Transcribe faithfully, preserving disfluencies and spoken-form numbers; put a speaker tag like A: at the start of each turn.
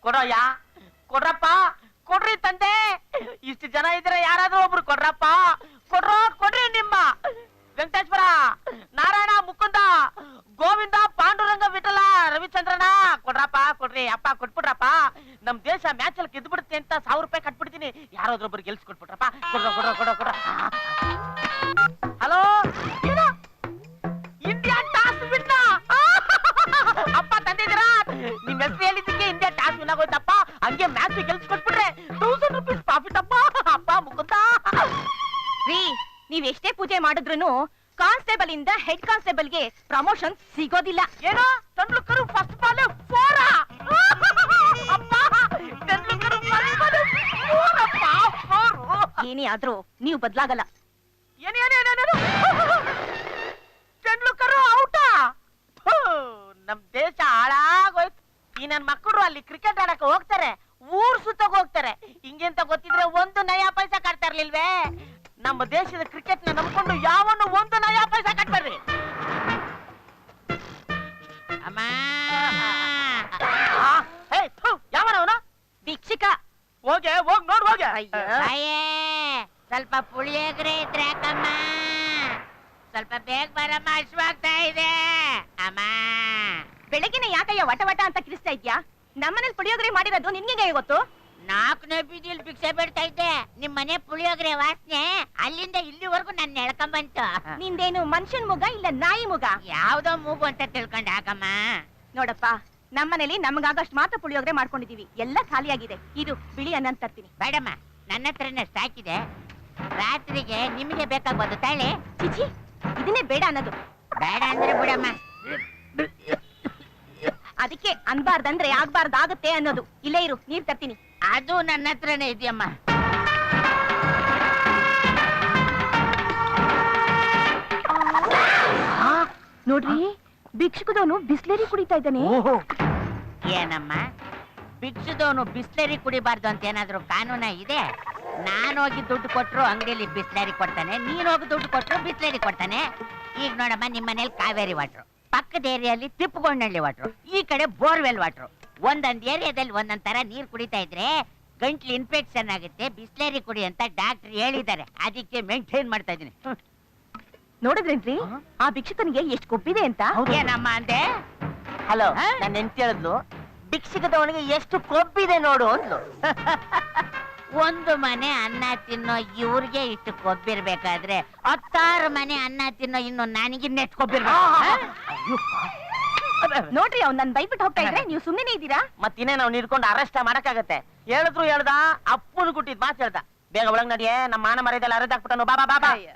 A: ಕೊಡೋಯ್ಯ, ಕೊಡ್ರಪ್ಪ, ಕೊಡ್ರಿ ತಂದೆ. ಇಷ್ಟು ಜನ ಇದ್ರೆ ಯಾರಾದ್ರೂ ಒಬ್ರು ಕೊಡ್ರಪ್ಪ, ಕೊಡ್ರೋ ಕೊಡ್ರಿ. ನಿಮ್ಮ ವೆಂಕಟೇಶ್ವರ, ನಾರಾಯಣ, ಮುಕುಂದ, ಗೋವಿಂದ, ಪಾಂಡುರಂಗ, ವಿಠಲ, ರವಿಚಂದ್ರನ ಕೊಡ್ರಪ್ಪ, ಕೊಡ್ರಿ. ಅಪ್ಪ ಕೊಟ್ಬಿಡ್ರಪ್ಪ. ನಮ್ ದೇಶ ಮ್ಯಾಚ್ ಅಲ್ಲಿ ಗೆದ್ದು ಬಿಡುತ್ತೆ ಅಂತ ಸಾವಿರ ರೂಪಾಯಿ ಕಟ್ಬಿಡ್ತೀನಿ. ಯಾರಾದ್ರೊಬ್ರು ಗೆಲ್ಸ್ ಕೊಟ್ಬಿಟ್ರಪ್ಪ. ಕೊಡ್ರ ಕೊಡ್ರ ಕೊಡ್ರ ಕೊಡ್ರ. ಹಲೋ, ಇಂಡಿಯಾ ಟಾಸ್ ವಿನ್ನ. ಅಪ್ಪ ತಂದಿದ್ದೀರಾ? ನಿಮ್ ಹೆಸರು ಹೇಳಿದ್ದಕ್ಕೆ ಇಂಡಿಯಾ ಟಾಸ್ ವಿನ್ ಆಗೋಯ್ತಪ್ಪ. ಹಂಗೆ ಮ್ಯಾಚ್ ಗೆಲ್ಸ್ ಕೊಟ್ಬಿಟ್ರೆ ತೌಸಂಡ್ ರುಪೀಸ್ ಪ್ರಾಫಿಟ್ ಅಪ್ಪ. ಅಪ್ಪ ಮುಕುಂದ,
B: ರೀ ನೀವ್ ಎಷ್ಟೇ ಪೂಜೆ ಮಾಡಿದ್ರು ಕಾನ್ಸ್ಟೇಬಲ್ ಇಂದ ಹೆಡ್ ಕಾನ್ಸ್ಟೇಬಲ್ ಗೆ ಪ್ರಮೋಷನ್ ಸಿಗೋದಿಲ್ಲ.
A: ಏನೋ ತೆಂಡೂಲ್ಕರ್ ಫಸ್ಟ್ ಬಾಲ್ ಫೋರ್. ಅಪ್ಪ ತೆಂಡೂಲ್ಕರ್ ಫಸ್ಟ್ ಬಾಲ್ ಫೋರ್ ಅಪ್ಪ, ಫೋರ್.
B: ಏನೇ ಆದ್ರೂ ನೀವು ಬದ್ಲಾಗಲ್ಲ.
A: ಏನೇನೇನೇನು ತೆಂಡೂಲ್ಕರ್ ಔಟ. ನಮ್ ದೇಶ ಹಾಳಾಗೋಯ್ತು. ಈ ನನ್ ಮಕ್ಕಳು ಅಲ್ಲಿ ಕ್ರಿಕೆಟ್ ಆಡಕ್ ಹೋಗ್ತಾರೆ, ಊರ್ ಸುತ್ತಕ್ ಹೋಗ್ತಾರೆ. ಹಿಂಗೆಂತ ಗೊತ್ತಿದ್ರೆ ಒಂದು ನಯಾ ಪೈಸಾ ಕಟ್ತಾ ಇರ್ಲಿಲ್ವೇ? ನಮ್ಮ ದೇಶದ ಕ್ರಿಕೆಟ್ ನ ನಂಬ್ಕೊಂಡು ಯಾವನು ಒಂದು ನಯಾ ಪೈಸಾ ಕಟ್ಬೇಡ್ರಿ.
C: ಅಮ್ಮ
A: ಯಾವನವನು?
B: ಭಿಕ್ಷಿಕ.
A: ಹೋಗೆ ಹೋಗ್ ನೋಡ್ ಹೋಗೆ.
C: ಅಯ್ಯೇ, ಸ್ವಲ್ಪ ಪುಳಿಯೋಗರೆ ಇದ್ರೆ ಯಾಕಮ್ಮ? ಸ್ವಲ್ಪ ಬೇಗ ಬರಮ್ಮ, ಹಶ್ವಾಗ್ತಾ ಇದೆ. ಅಮ್ಮ
B: ಬೆಳಗಿನ ಯಾಕಯ್ಯ ವಟ ವಟ ಅಂತ ಕಿರಿಸ್ತಾ ಇದ್ಯಾ? ನಮ್ಮನೇಲಿ ಪುಳಿಯೋಗರೆ ಮಾಡಿರೋದು ನಿನ್ಗೆ ಗೊತ್ತು?
C: ನಾಲ್ಕನೇ ಬೀದಿಯಲ್ಲಿ ಭಿಕ್ಷೆ ಬೇಡ್ತಾ ಇದ್ದೆ. ನಿಮ್ ಮನೆ ಪುಳಿಯೋಗರೆ ವಾಸನೆ ಅಲ್ಲಿಂದ ಇಲ್ಲಿವರೆಗೂ ನನ್ನ ಎಳ್ಕೊಂಬಂತು.
B: ನಿಂದೇನು ಮನುಷ್ಯನ್ ಮುಗ ಇಲ್ಲ ನಾಯಿ ಮುಗ?
C: ಯಾವ್ದೋ ಮೂಗು ಅಂತ ತಿಳ್ಕೊಂಡ್ ಹಾಕಮ್ಮ.
B: ನೋಡಪ್ಪ, ನಮ್ಮನೇಲಿ ನಮಗಾಗಷ್ಟು ಮಾತ್ರ ಪುಳಿಯೋಗರೆ ಮಾಡ್ಕೊಂಡಿದೀವಿ. ಎಲ್ಲ ಖಾಲಿಯಾಗಿದೆ. ಇದು ಬಿಳಿ ಅನ್ನ ತರ್ತೀನಿ.
C: ಬೇಡಮ್ಮ, ನನ್ನ ಹತ್ರನೇ ಸ್ಟಾಕ್ ಇದೆ. ರಾತ್ರಿಗೆ ನಿಮಗೆ ಬೇಕಾಗ್ಬೋದು ತಾಳೆ.
B: ಚಿಚಿ, ಇದನ್ನೇ ಬೇಡ ಅನ್ನೋದು.
C: ಬೇಡ ಅಂದ್ರೆ ಬಿಡಮ್ಮ.
B: ಅದಕ್ಕೆ ಅನ್ಬಾರ್ದಂದ್ರೆ ಆಗ್ಬಾರ್ದಾಗತ್ತೆ ಅನ್ನೋದು. ಇಲ್ಲೇ ಇರು, ನೀರ್ ತರ್ತೀನಿ.
C: ಅದು ನನ್ನ ಹತ್ರನೇ ಇದೆಯಮ್ಮ.
B: ನೋಡ್ರಿ, ಭಿಕ್ಷುಕದವನು ಬಿಸ್ಲೇರಿ ಕುಡಿತಾ ಇದ್ದಾನೆ.
C: ಏನಮ್ಮ, ಭಿಕ್ಷುದವನು ಬಿಸ್ಲೇರಿ ಕುಡಿಬಾರ್ದು ಅಂತ ಏನಾದ್ರು ಕಾನೂನ ಇದೆ? ನಾನು ಹೋಗಿ ದುಡ್ಡು ಕೊಟ್ರು ಅಂಗಡಿಯಲ್ಲಿ ಬಿಸ್ಲೇರಿ ಕೊಡ್ತಾನೆ, ನೀನ್ ಹೋಗಿ ದುಡ್ಡು ಕೊಟ್ರು ಬಿಸ್ಲೇರಿ ಕೊಡ್ತಾನೆ. ಈಗ ನೋಡಮ್ಮ, ನಿಮ್ ಮನೇಲಿ ಕಾವೇರಿ ವಾಟ್ರು, ಪಕ್ಕದ ಏರಿಯಲ್ಲಿ ತಿಪ್ಪಗೊಂಡಳ್ಳಿ ವಾಟ್ರು, ಈ ಕಡೆ ಬೋರ್ವೆಲ್ ವಾಟ್ರು. ಒಂದೊಂದ್ ಏರಿಯಾದಲ್ಲಿ ಒಂದೊಂದ್ ತರ ನೀರ್ ಕುಡಿತಾ ಇದ್ರೆ ಗಂಟ್ಲು ಇನ್ಫೆಕ್ಷನ್ ಆಗುತ್ತೆ. ಬಿಸ್ಲೇರಿ ಕುಡಿ ಅಂತ ಡಾಕ್ಟರ್ ಹೇಳಿದ್ದಾರೆ. ಅದಕ್ಕೆ ಮೇಂಟೈನ್ ಮಾಡ್ತಾ ಇದೀನಿ.
B: ನೋಡಿದ್ರೇನ್ರಿ ಆ ಭಿಕ್ಷುಕನಿಗೆ ಎಷ್ಟು ಕೊಬ್ಬಿದೆ ಅಂತ?
C: ಏನಮ್ಮ ಅಂದೆ?
A: ಹಲೋ, ನನ್ನ ಹೆಂಡತಿ ಹೇಳಿದ್ಲು ಭಿಕ್ಷುಕದವನಿಗೆ ಎಷ್ಟು ಕೊಬ್ಬಿದೆ ನೋಡು ಅಂದ್ಲು.
C: ಒಂದು ಮನೆ ಅನ್ನ ತಿನ್ನೋ ಇವ್ರಿಗೆ ಇಷ್ಟು ಕೊಬ್ಬಿರ್ಬೇಕಾದ್ರೆ ಹತ್ತಾರು ಮನೆ ಅನ್ನ ತಿನ್ನೋ ಇನ್ನು ನನಗೆ ನೆಟ್ ಕೊಬ್ಬಿರ್ಬೇಕು.
B: ನೋಡ್ರಿ, ಅವ್ನ್ ನನ್ ಬೈಬಿಟ್ಟು ಹೋಗ್ತಾ ಇದ್ರೆ ನೀವು ಸುಮ್ಮನೆ ಇದ್ದೀರಾ?
A: ಮತ್ತಿನ್ನೇ ನಾವು ನಿಡ್ಕೊಂಡು ಅರೆಸ್ಟ್ ಮಾಡಕ್ಕಾಗತ್ತೆ. ಹೇಳಿದ್ರು ಹೇಳ್ದ, ಅಪ್ಪನು ಕುಟ್ಟಿದ್ ಮಾತು ಹೇಳ್ದ. ಬೇಗ ಒಳಗ್ ನಡಿಯೇ, ನಮ್ಮ ಮಾನ ಮರ್ಯಾದೆಲ್ಲ ಅರೆದಾಕ್ಬಿಟ್ಟನು. ಬಾಬಾ ಬಾಬಾ.